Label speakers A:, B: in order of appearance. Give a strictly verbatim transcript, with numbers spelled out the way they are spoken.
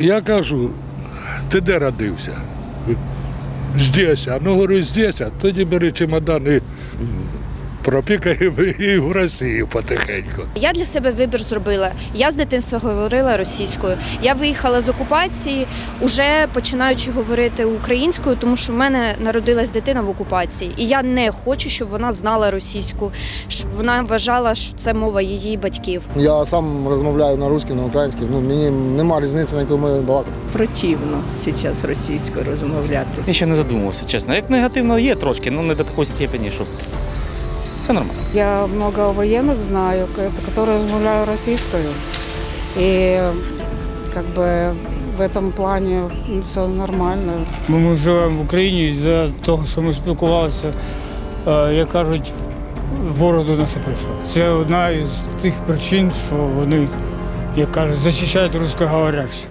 A: Я кажу, ти де родився? Здесь. А ну, говорю, здесь, а тоді бери чемодан і пропікаємо і в Росію потихеньку.
B: Я для себе вибір зробила. Я з дитинства говорила російською. Я виїхала з окупації, уже починаючи говорити українською, тому що в мене народилась дитина в окупації. І я не хочу, щоб вона знала російську, щоб вона вважала, що це мова її батьків.
C: Я сам розмовляю на русській, на українській. Ну, мені немає різниці, на якій ми балакати.
D: Противно зараз російською розмовляти.
E: Я ще не задумувався, чесно. Як негативно є трошки, але не до такої степені, щоб все нормально.
F: Я много военных знаю, которые размовляют российскую. И как бы в этом плане все нормально.
G: Ми живемо в Україні, і за того, що ми спілкувалися, як кажуть, ворог до нас і прийшов. Це одна із тих причин, що вони, як кажуть, захищають русскоговорящих.